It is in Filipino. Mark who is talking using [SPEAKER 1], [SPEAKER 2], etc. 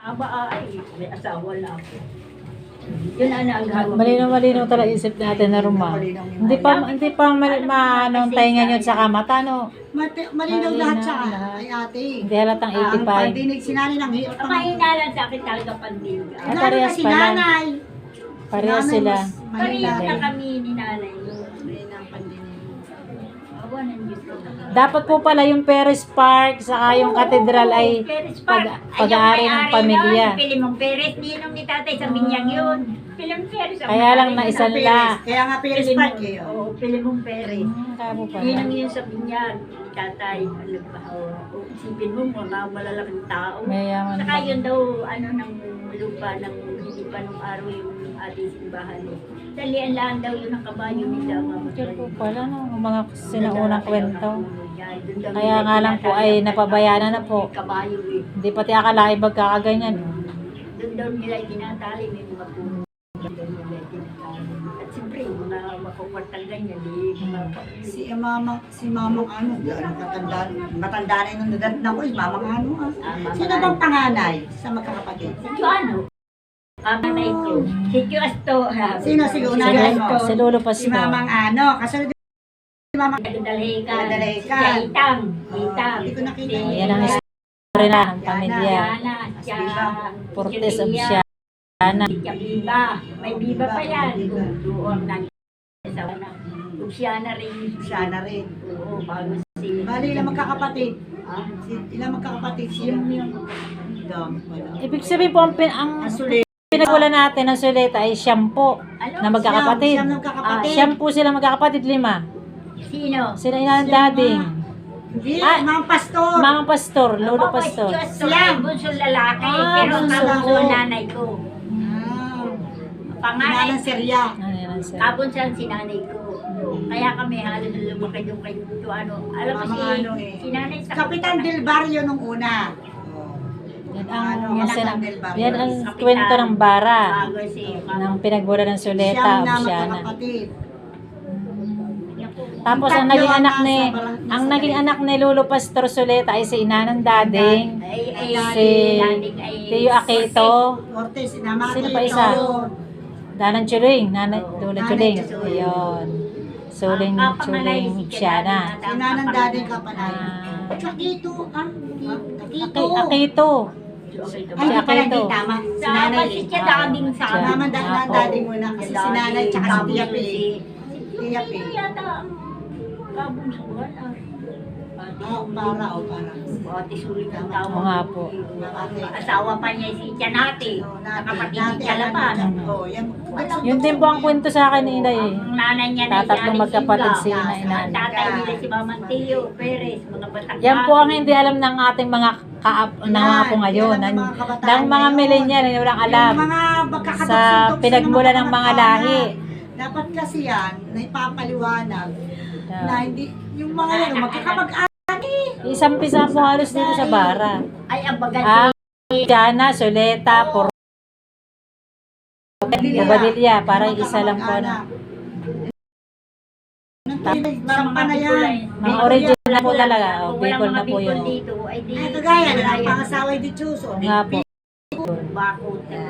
[SPEAKER 1] Ay, may asawa na ako. Yun ang hawak.
[SPEAKER 2] Malinaw talaga isip natin na Roma. Hindi pa anong tainga yun sa kamata, no?
[SPEAKER 3] Malinaw lahat sa ay ate.
[SPEAKER 2] Hindi halatang
[SPEAKER 3] Ang
[SPEAKER 2] 85.
[SPEAKER 3] pandinig sinani ng hirap.
[SPEAKER 1] Mahina lang sa akin talaga pandinig.
[SPEAKER 2] Ay, parehas
[SPEAKER 3] si
[SPEAKER 2] pala.
[SPEAKER 3] nanay.
[SPEAKER 2] Parehas sila.
[SPEAKER 1] Parehas na kami ni nanay.
[SPEAKER 3] Mahina ang pandinig.
[SPEAKER 1] Awa ng Diyos ko.
[SPEAKER 2] Dapat po pala yung Perez Park saka yung katedral ay pag-aari ng pamilya.
[SPEAKER 1] Pilimong Perez, ninong ni tatay sa Binyang yun. Pilimong Perez.
[SPEAKER 2] Kaya lang na isang la.
[SPEAKER 3] Kaya nga Perez Park eh.
[SPEAKER 1] Oo, Pilimong Perez.
[SPEAKER 2] Kaya po pala.
[SPEAKER 1] Ninong yun sa Binyang. Ni tatay, isipin mo mga malalaking tao.
[SPEAKER 2] Mayaman
[SPEAKER 1] Saka
[SPEAKER 2] pa.
[SPEAKER 1] yun daw, ng lupa, ng hindi pa nung araw yung ating simbahan. Dalian lang daw yun ang kabayo nila.
[SPEAKER 2] Yun po pala, no? Ang mga sinaunang kwento. Kaya nga lang po ay napabayana na po.
[SPEAKER 1] Kabayo eh.
[SPEAKER 2] Hindi pati akalain magkakaganyan.
[SPEAKER 1] Doon daw nila itinatali, may mga puno. Doon daw nila itinatali. At siyempre, mga makukwartang ganyan,
[SPEAKER 3] Si mamang ano, gano'ng katandaan. Matanda na yung nadat na ko, mamang ano ah. Sino bang panganay sa magkakapatid?
[SPEAKER 1] Si ano? Kamanay ko. Si Juasto.
[SPEAKER 3] Sino si unay mo?
[SPEAKER 2] Si Lolo
[SPEAKER 3] Si
[SPEAKER 2] Pastor.
[SPEAKER 3] mamang ano, kasunod si mamang
[SPEAKER 1] Dalhikan.
[SPEAKER 3] Dalhikan.
[SPEAKER 1] Si Itang. Itang.
[SPEAKER 3] Hindi ko nakita.
[SPEAKER 2] Yan ang istorya na ng pamilya.
[SPEAKER 1] Yana. Siya.
[SPEAKER 2] Portes of Siana.
[SPEAKER 1] Siya Biba. May Biba pa yan. Doon na. Siya na rin.
[SPEAKER 3] Siya na rin.
[SPEAKER 1] Oo, bago si...
[SPEAKER 3] Bali, ilang magkakapatid?
[SPEAKER 1] Ah,
[SPEAKER 3] Ilang magkakapatid sila?
[SPEAKER 1] yung
[SPEAKER 2] Ibig sabihin po, ang
[SPEAKER 3] Asuli.
[SPEAKER 2] pinagwala natin ng suleta ay siyam po na magkakapatid.
[SPEAKER 3] Siyam magkakapatid.
[SPEAKER 2] Siyam po sila magkakapatid, 5.
[SPEAKER 1] Sino?
[SPEAKER 2] Sila ina ng dading.
[SPEAKER 3] Hindi,
[SPEAKER 2] Ah,
[SPEAKER 3] mga pastor.
[SPEAKER 2] Mga pastor, Lolo Pastor.
[SPEAKER 1] Sila. Bunso lalaki.
[SPEAKER 2] Ah,
[SPEAKER 1] Pero
[SPEAKER 2] bunso.
[SPEAKER 1] kabunso nanay ko.
[SPEAKER 3] Ah,
[SPEAKER 1] Panganay.
[SPEAKER 3] Nanang Serya.
[SPEAKER 2] Ano yan, sir?
[SPEAKER 1] Kabunsan si nanay ko. Kaya kami halos lumaki yung kay ano. Alam mo
[SPEAKER 3] Mga ano eh.
[SPEAKER 1] si nanay sa
[SPEAKER 3] Kapitan Del Barrio nung una.
[SPEAKER 2] Yan
[SPEAKER 3] Ano,
[SPEAKER 2] ang,
[SPEAKER 3] Kapitan Del Barrio.
[SPEAKER 2] yan ang kwento ng bara.
[SPEAKER 1] Bago si
[SPEAKER 2] Ng pinagbola ng suleta
[SPEAKER 3] Siyam
[SPEAKER 2] o
[SPEAKER 3] na
[SPEAKER 2] Siana.
[SPEAKER 3] magkakapatid.
[SPEAKER 2] Tapos ang naging anak ni Lolo Pastor Suleta ay si ina ng dading. Si Tio Aquito.
[SPEAKER 3] Ortiz, sinama
[SPEAKER 2] Sino
[SPEAKER 3] ko
[SPEAKER 2] pa
[SPEAKER 3] ito.
[SPEAKER 2] isa? Danang Chuling, Lolo Chuling. Ayun. Suling Chuling Siana.
[SPEAKER 3] Sinanang dading kapanay.
[SPEAKER 2] Ah,
[SPEAKER 3] Kakito, ah. Kakito.
[SPEAKER 2] Aquito.
[SPEAKER 3] Ay, di pala hindi tama. Si nanay.
[SPEAKER 1] Si siya daming sa
[SPEAKER 2] Siya.
[SPEAKER 3] Mama, dading muna kasi si nanay tsaka si Tia P. Tia P.
[SPEAKER 1] Ito yata ang kabunsuan.
[SPEAKER 3] Para.
[SPEAKER 1] Ate sulit ang
[SPEAKER 2] Oo
[SPEAKER 1] tawag.
[SPEAKER 2] nga po.
[SPEAKER 1] Asawa pa niya si Tianati. Nakapatid ni Tialapan.
[SPEAKER 3] Oh, yan.
[SPEAKER 2] Yun din po ang kwento sa akin ni Inday eh.
[SPEAKER 1] Ang nanay niya na
[SPEAKER 2] Tatatlong magkapatid si
[SPEAKER 1] Ina
[SPEAKER 2] Ina Inay.
[SPEAKER 1] Tatay nila si Mamang Tio Perez. Mga batak.
[SPEAKER 2] Yan po ang hindi alam ng ating mga mga po ngayon. Ng mga millennial na walang alam.
[SPEAKER 3] Yung mga magkakatugtog
[SPEAKER 2] Sa pinagmula ng mga lahi.
[SPEAKER 3] Dapat kasi yan, na ipapaliwanag na hindi, yung mga yan, magkakamag-anak.
[SPEAKER 2] Isang-pisa po halos dito sa bara.
[SPEAKER 1] Ay, ang bagal
[SPEAKER 2] Ang Siana, Suleta, Badilya, parang isa lang po na.
[SPEAKER 3] Parang pa na yan.
[SPEAKER 2] Mga original po talaga. O, Bicol na po yun.
[SPEAKER 1] Dito, ay di.
[SPEAKER 3] Ay, kagaya na ang pangasawa di Chuso.
[SPEAKER 2] Nga po.
[SPEAKER 1] Bakot.